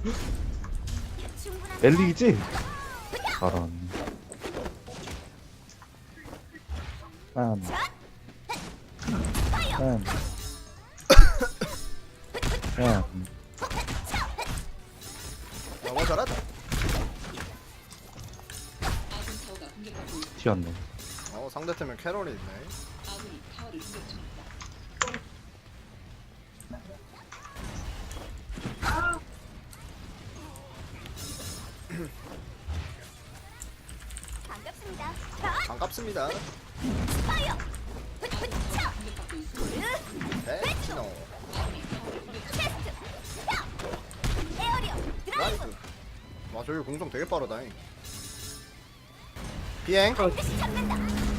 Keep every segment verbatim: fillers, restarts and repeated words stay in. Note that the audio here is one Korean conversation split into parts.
엘리이지? 저런. 빰. 빰. 빰. 너무 잘하다. 튀었네. 어 상대팀에 캐롤이 있네. 반갑습니다. 반갑습니다. 파이어. 네, 신호. 테스트. 에어리어 드라이브. 라이브. 와 저기 공성 되게 빠르다. 비행. 반드시 잡는다.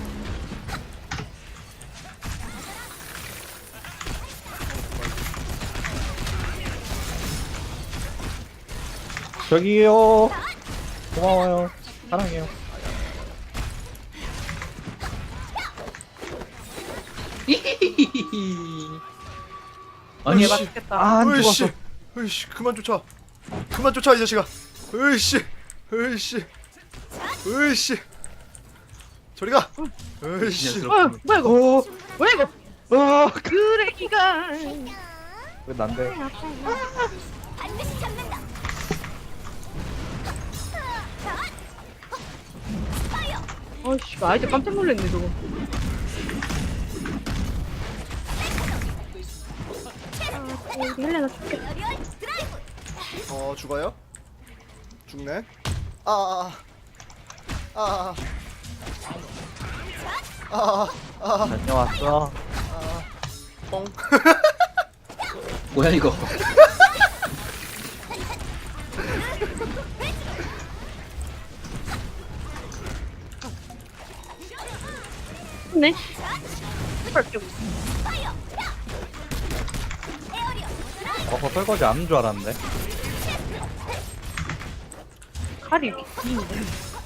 저기요. 고마워요. 사랑해요. 아니 으이씨. 맛있겠다. 아, 안 으이씨. 죽었어. 으이씨 그만 쫓아. 그만 쫓아 이 자식아. 으이씨. 으이씨. 으이씨. 저리 가. 으이씨. 어 뭐야 이거? 어, 뭐야 이거? 어, 쓰레기가. 왜 난데? 반드시 잡는다. 파이어. 어씨 아이들 깜짝 놀랐네 저거. 아 우리 헬레나 죽겠다. 에어리어 드라이브. 어 죽어요? 죽네. 아아아. 아아아. 아아아. 아아아. 다녀왔어. 뻥. 뭐야 이거? 네. 그렇게 파이어. 에어리어 드라이브. 어, 그 설거지 안 하는 줄 알았는데. 칼이 이렇게 긴데.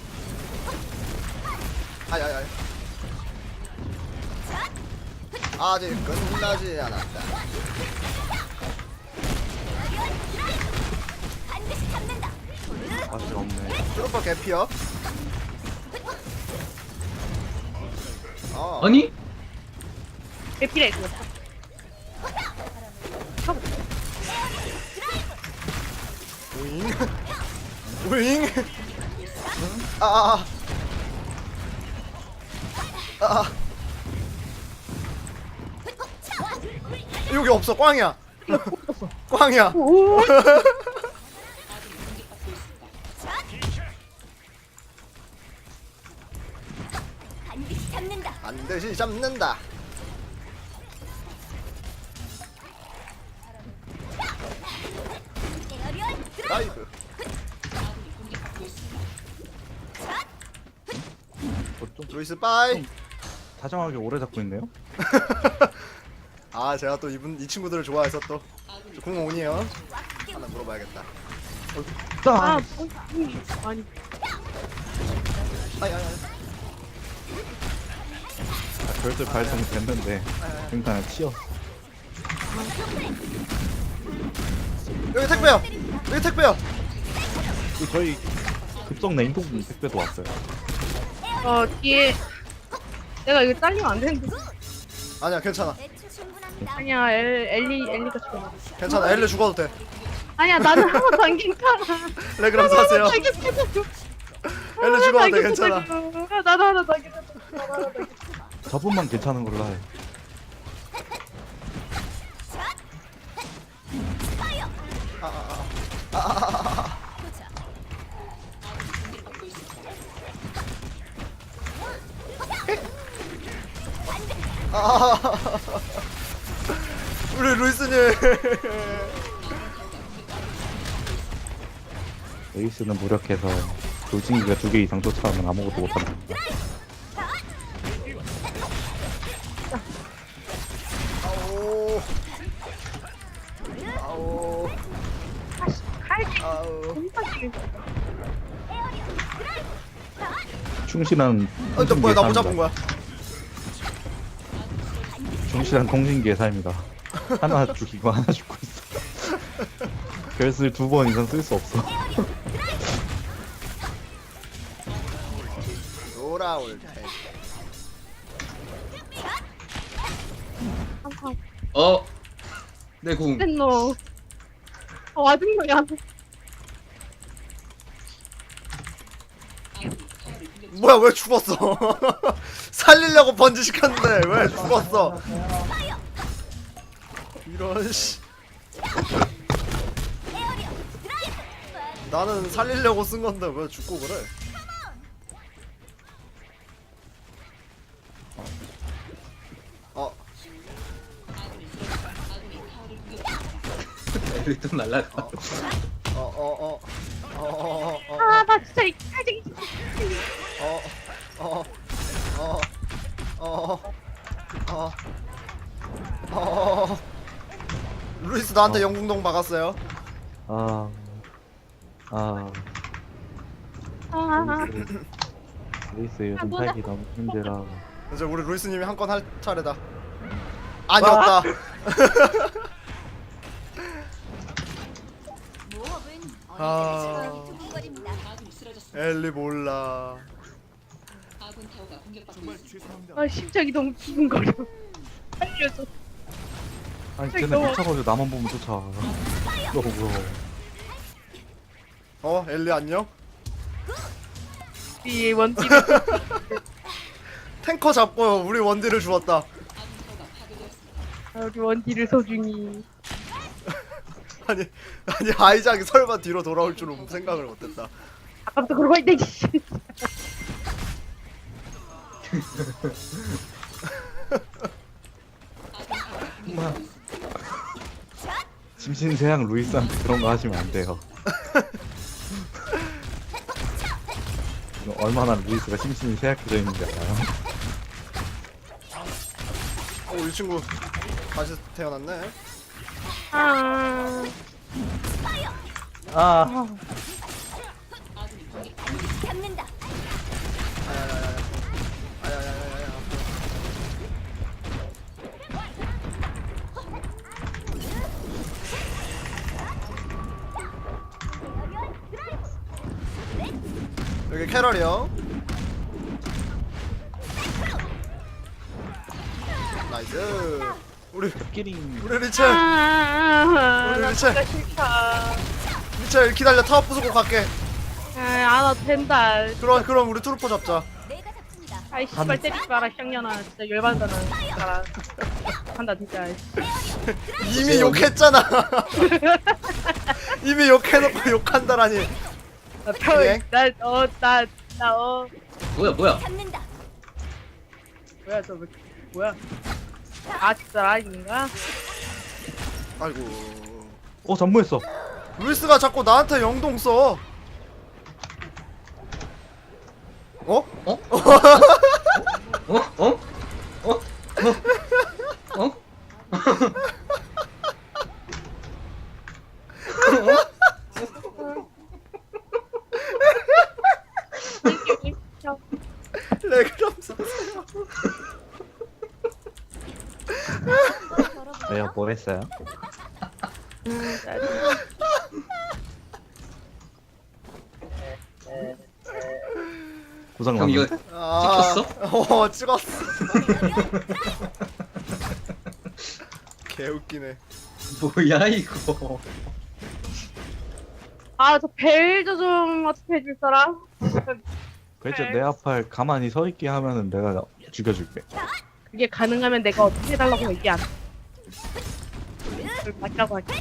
아야야. 아직 끝나지 않았다. 반드시 잡는다. 맛이 없네. 트루퍼 개피어. 어. 아니? 에피레 이거. 우잉. 우잉. 아아아. 아아. 여기 없어. 꽝이야. 꽝이야. 오. 반드시 잡는다. 반드시 잡는다. 에어리어 드라이브. 라이브. 어, 좀 루이스 빠이. 다정하게 오래 잡고 있네요. 아 제가 또 이분 이 친구들을 좋아해서 또 공원이에요. 하나 물어봐야겠다. 아 아, 뭐, 음, 아니 아야야. 별들 발동 됐는데 굉장히 튀어. 여기 택배요. 여기 택배요. 그 저희 급성 냉동 택배도 왔어요. 어 뒤에 내가 이거 잘리면 안 되는데. 아니야 괜찮아. 대추 충분합니다. 아니야 엘 엘리 엘리가 죽어. 괜찮아. 엘레 죽어도 돼. 아니야 나는 한 번도 안 괜찮아. 레그람 사세요. 안 괜찮아. 엘레 죽어도 돼. 괜찮아. 나도 하나 더 괜찮아. 나도 하나 더 괜찮아. 저분만 괜찮은 걸로 해. 파이어. 아아아. 보자. 아. 우리 루이스님. 에이스는 무력해서 돌진기가 두 개 이상 쫓아오면 아무것도 못한다. 아오. 아오. 칼질 아우. 곰팡이. 충실한 어, 너 뭐야? 나 못 통신기의 잡은 거야? 삶이다. 충실한 통신기의 삶이다. 하나 죽이고 하나 죽고 있어. 별슬 두 번 이상 쓸 수 없어. 돌아올 때. 항상 어? 내 궁. 너. 어, 와중이야. 뭐야 왜 죽었어? 살리려고 번지 시켰는데 왜 죽었어? 이런 씨. 나는 살리려고 쓴 건데 왜 죽고 그래? 어, 애들이 또 날라가. 어, 어, 어, 어, 어, 어, 아, 나 진짜 이 칼쟁이. 어, 어, 어, 어, 어, 어. 루이스 나한테 어. 영궁동 박았어요. 아, 아, 아, 루이스, 루이스 요즘 뭐야. 살기 너무 힘들어. 이제 우리 루이스님이 한 건 할 차례다. 아니었다. 모험은 아. 언제든지 두근거립니다. 엘리 몰라. 아, 심장이 너무 두근거려. 살려줘. 아니 저기 쟤네 너무- 미쳐가지고 나만 보면 쫓아. 너무 무서워. 어, 엘리 안녕? 우리 원딜. 탱커 잡고 우리 원딜을 주웠다. 아, 우리 원딜을 소중히. 아니, 아니 아이작이 설마 뒤로 돌아올 줄은 생각을 못했다. 아까부터 그러고 있네. 씨. 심신세양 루이스한테 그런 거 하시면 안 돼요. 이거 얼마나 루이스가 심신이 쇠약해져 있는지 알아요? 어, 이 친구 다시 태어났네. 아, 아, 잡는다. 아야야야야. 아야야야야. 여기 캐럴이요. 나이스. 우리 끼링. 우리 리첼 아, 우리 나 리첼. 진짜 싫다. 리첼 기다려. 타워 부수고 갈게. 아, 안 와도 된다. 그럼 그럼 우리 트루퍼 잡자. 내가 잡습니다. 아이 씨발 때리지 마라 쌍년아. 진짜 열받는다 나. 진짜. 한다 진짜. 이미 욕했잖아. 이미 욕해놓고 욕한다라니. 나 펴. 예? 나어나나 어. 뭐야 뭐야? 잡는다. 뭐야 저 뭐- 뭐야? 아 진짜 라인인가? 아이고. 어 잠무했어. 루이스가 자꾸 나한테 영동 써. 어? 어? 어? 어? 어? 어? 어? 레그럼 써. 왜요? 뭐 했어요? 고장 형 이거 났는데? 아, 찍혔어? 어, 찍었어. 개웃기네. 뭐야 이거? 아저 벨저 좀 어떻게 해줄 사람? 그랬죠. 내 앞을 가만히 서 있게 하면은 내가 죽여줄게. 그게 가능하면 내가 어떻게 해달라고 얘기 안. 해. 그걸 맞자고 할게.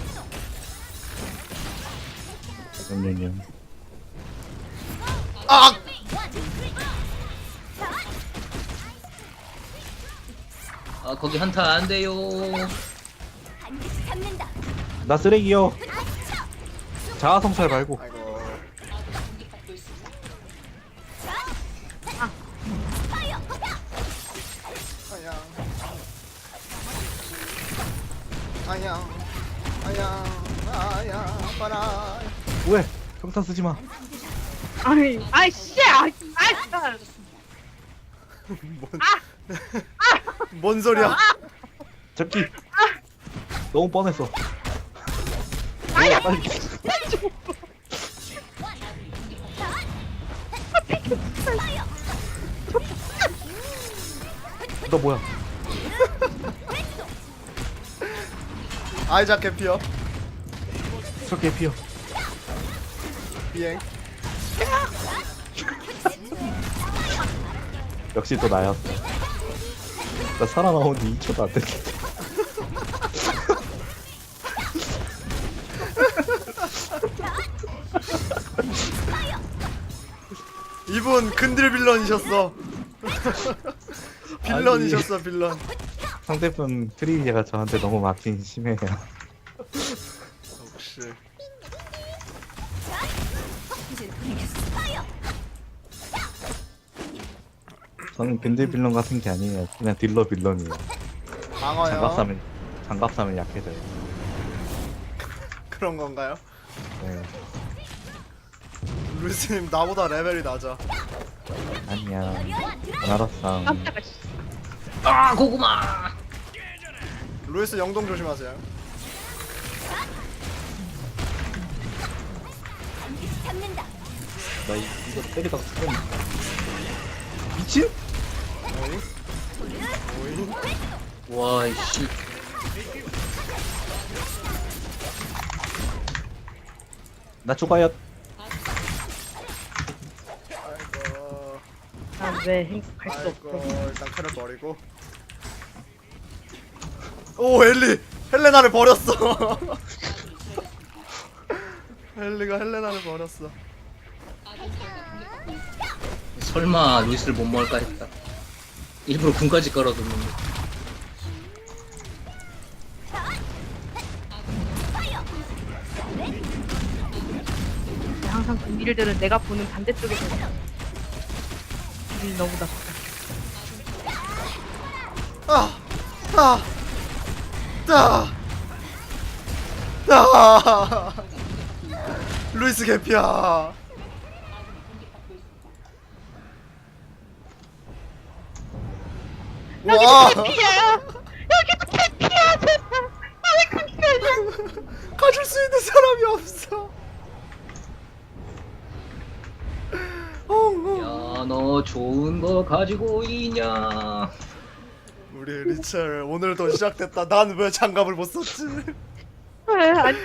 냠냠냠. 아! 아 거기 한타 안 돼요. 반드시 잡는다. 나 쓰레기요. 자아성찰 말고. 아이고. 아야. 아야. 아야. 아야. 봐라. 왜? 평탄 쓰지 마. 아이 아이 씨. 아이 아이. 뭔, 뭔 소리야? 잡기. 너무 뻔했어. 와! 뭐야 빨리. 너 뭐야? 아이작 개피어. 저렇게 피어. 비행. 역시 또 나였어. 나 살아나온 지 이 초도 안 됐는데. 이분 근딜 빌런이셨어. 빌런이셨어 빌런. 상대편 트리비아가 저한테 너무 막힌 심해요. 역시. 저는 근딜 빌런 같은 게 아니에요. 그냥 딜러 빌런이에요. 방어요. 장갑사면 장갑사면 약해져요. 그런 건가요? 네. 루이스님 나보다 레벨이 낮아. 아니야. 나라상 깜짝아. 씨. 아 고구마. 루이스 영동 조심하세요. 반드시 잡는다. 나 이- 이거 때리다가 죽겠네. 미친? 오잉? 오잉? 와 이씨. 나 죽어요. 아이고. 난왜 행복할 수 아이고 없어. 일단 칼을 버리고. 오 엘리! 헬레나를 버렸어. 엘리가 헬레나를 버렸어. 설마 루이스를 못 먹을까 했다. 일부러 군까지 깔아뒀는데. 항상 그 일들은 내가 보는 반대쪽에서 기분이 너무 나빠. 아! 아! 따! 따! 루이스 개피야. 와! 피야! 여기도 피야! 제발! 아왜 그렇게 가줄 수 있는 사람이 없어. 어, 어. 야 너 좋은 거 가지고 있냐? 우리 리첼 오늘도 시작됐다. 난 왜 장갑을 못 썼지? 해? 아니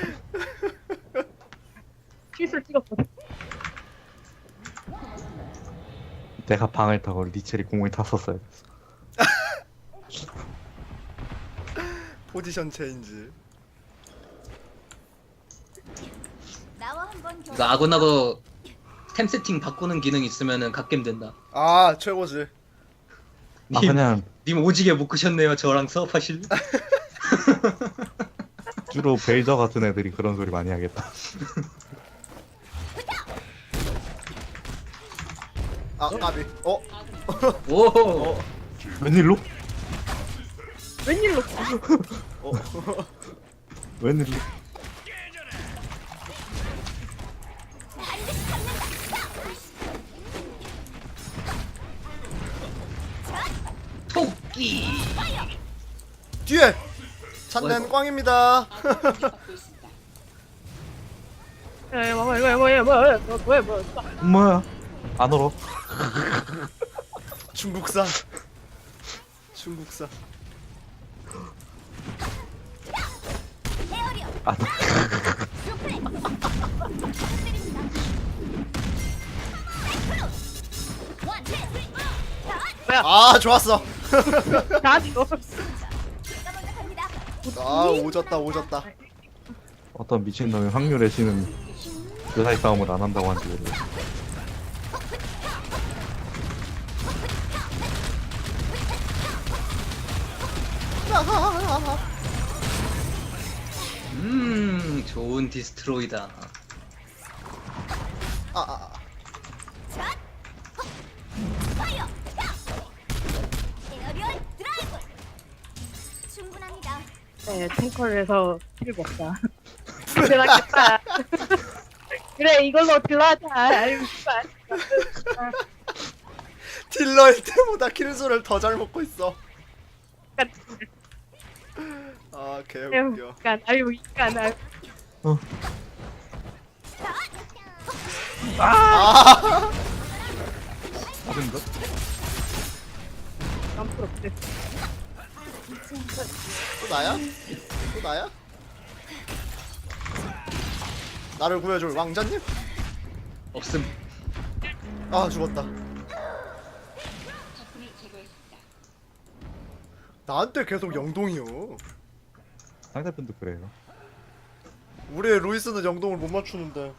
실수를 찍었거든. 내가 방을 타고 리첼이 공을 탔었어요. 포지션 체인지. 나와 한번 이거 아고나고 템 세팅 바꾸는 기능 있으면은 갓겜 된다. 아 최고지. 아 그냥 님 오지게 못 크셨네요. 저랑 수업하실. 주로 벨저 같은 애들이 그런 소리 많이 하겠다. 아 까비. 어? 오. 웬일로? 웬일로? 어? 웬일로? 토끼. 뒤에 찾는 꽝입니다. 야, 뭐야, 뭐야, 뭐야, 뭐야, 뭐야, 뭐야, 뭐야? 안 얼어. 중국산. 중국산. 에어리어 안 얼어. 루플레. 원, 투, 쓰리. 자, 아 좋았어. 나한테 너 제가 먼저 갑니다. 아 오졌다 오졌다. 어떤 미친놈이 확률의 신은 여사의 싸움을 안 한다고 한지 모르겠어. 음 좋은 디스트로이다. 아, 아, 아. 샷. 파이어. 에어리어 드라이브. 충분합니다. 네, 탱커를 해서 킬 먹자. 대단했다. 그래, 이걸로 딜러하자. 아유, 씨발. 딜러일 때보다 킬수를 더 잘 먹고 있어. 아 개웃겨. 인간, 아유, 인간, 아유. 아 아닌가? 남풀 없대. 또 나야? 또 나야? 나를 구해줄 왕자님? 없음. 아 죽었다. 나한테 계속 영동이요. 상대편도 그래요. 우리의 루이스는 영동을 못 맞추는데.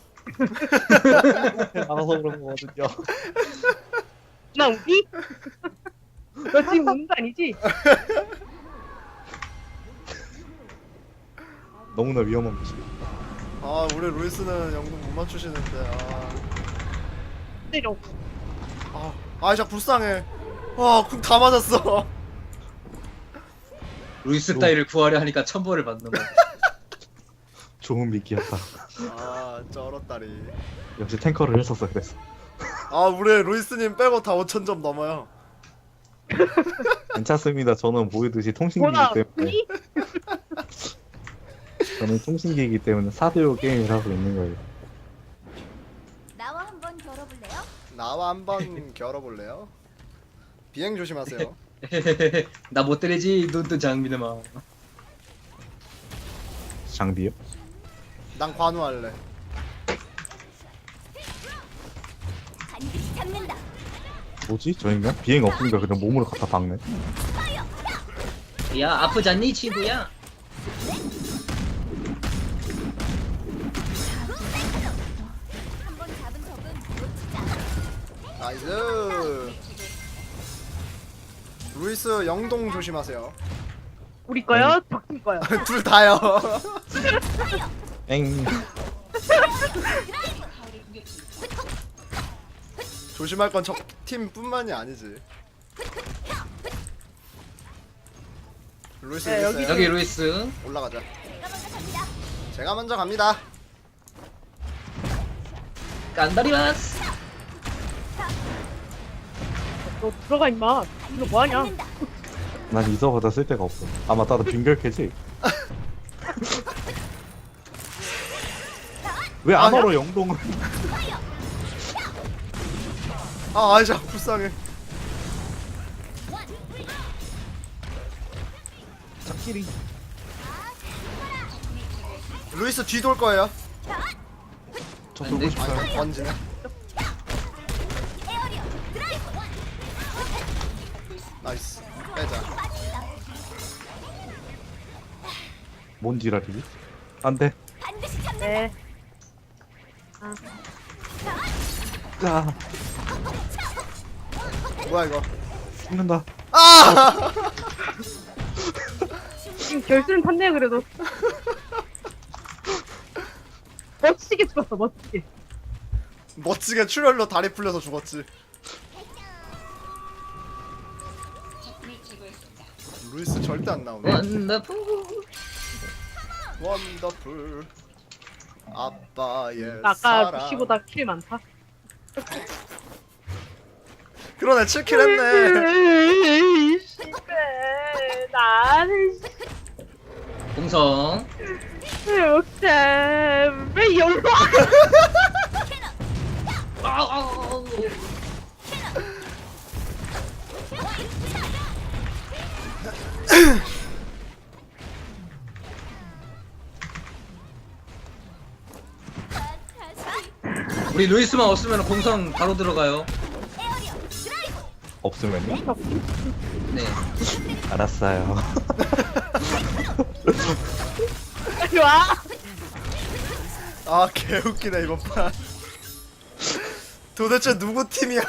알아서 그런 거거든요. 나 우기? 너 지금 우는 거 아니지? 너무나 위험한 곳이. 아 우리 루이스는 영동 못 맞추시는데. 아, 때려. 아, 아이작 불쌍해. 와궁 다 맞았어. 루이스 따위를 구하려 하니까 천벌을 받는 거야. 좋은 미끼였다. 아 쩔었다리. 역시 탱커를 했었어 그래서. 아 우리 루이스님 빼고 다 오천 점 넘어요. 괜찮습니다. 저는 보이듯이 통신기이기 뭐나 때문에. 우기? 저는 통신기이기 때문에 사 대 오 게임을 하고 있는 거예요. 나와 한번 겨뤄볼래요? 나와 한번 겨뤄볼래요? 비행 조심하세요. 나 못 때리지 눈뜬 장미네마. 장비요? 난 관우할래. 반드시 잡는다. 뭐지? 저 인간? 비행 없으니까 그냥 몸으로 갖다 박네. 야 아프잖니 친구야? 한번 잡은 적은 놓치지 않아. 나이스. 루이스 영동 조심하세요. 우리 거요? 적팀 거요. 둘 다요. 엥. 조심할 건 적 팀뿐만이 아니지. 루이스 네, 여기 여기- 여기 루이스. 올라가자. 내가 먼저 갑니다. 제가 먼저 갑니다. 깐다리마스. 너 들어가 임마. 이거 뭐하냐? 잡는다. 난 이서보다 쓸 데가 없어. 아 맞다, 나 빙결캐지. 왜 안 아니야? 얼어 영동을? 아 아이작 불쌍해. 자끼리. 루이스 뒤 돌 거예요. 저 안 돌고 돼. 싶어요. 아 던지네. 에어리어 드라이브. 나이스. 빼자. 뭔 지랄이지? 안 돼. 반드시 잡는다. 네. 자, 뭐야 이거? 죽는다. 아! 지금 결승 탔네 그래도. 멋지게 죽었어 멋지게. 멋지게 출혈로 다리 풀려서 죽었지. 루이스 절대 안 나오네. 원더풀. 원더풀. 아빠의 아까 사랑. 루시보다 킬 많다. 그러네 칠 킬 했네. 씨발, 나는 공성. 욕심 왜 열로 아우. 우리 루이스만 없으면 공성 바로 들어가요. 에어리어 드라이브. 없으면요? 네. 알았어요. 빨리 와. 아 개웃기네 이번 판. 도대체 누구 팀이야?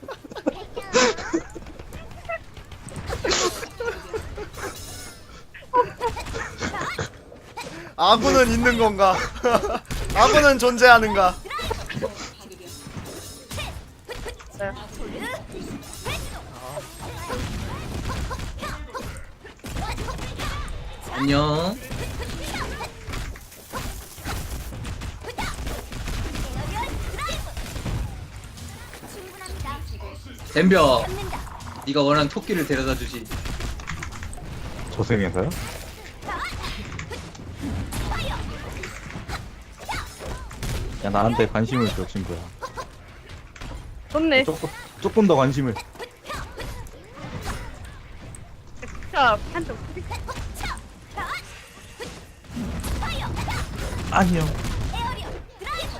아군은 있는 건가? 아군은 존재하는가? 안녕. 충분합니다. 덤벼. 잡는다. 네가 원하는 토끼를 데려다 주지. 조생해서요? 야 나한테 관심을 줘 친구야. 좋네. 조금 조금 더 관심을. 진짜 한점 아니요. 에어리어 드라이브.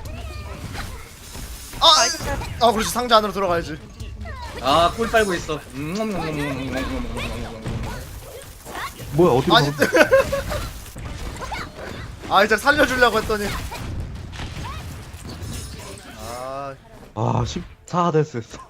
아! 아 그렇지 상자 안으로 들어가야지. 아, 꿀 빨고 있어. 음, 뭐야 어디로 아니 가서 아 이제 살려주려고 했더니 아 아 십사 데스 했어.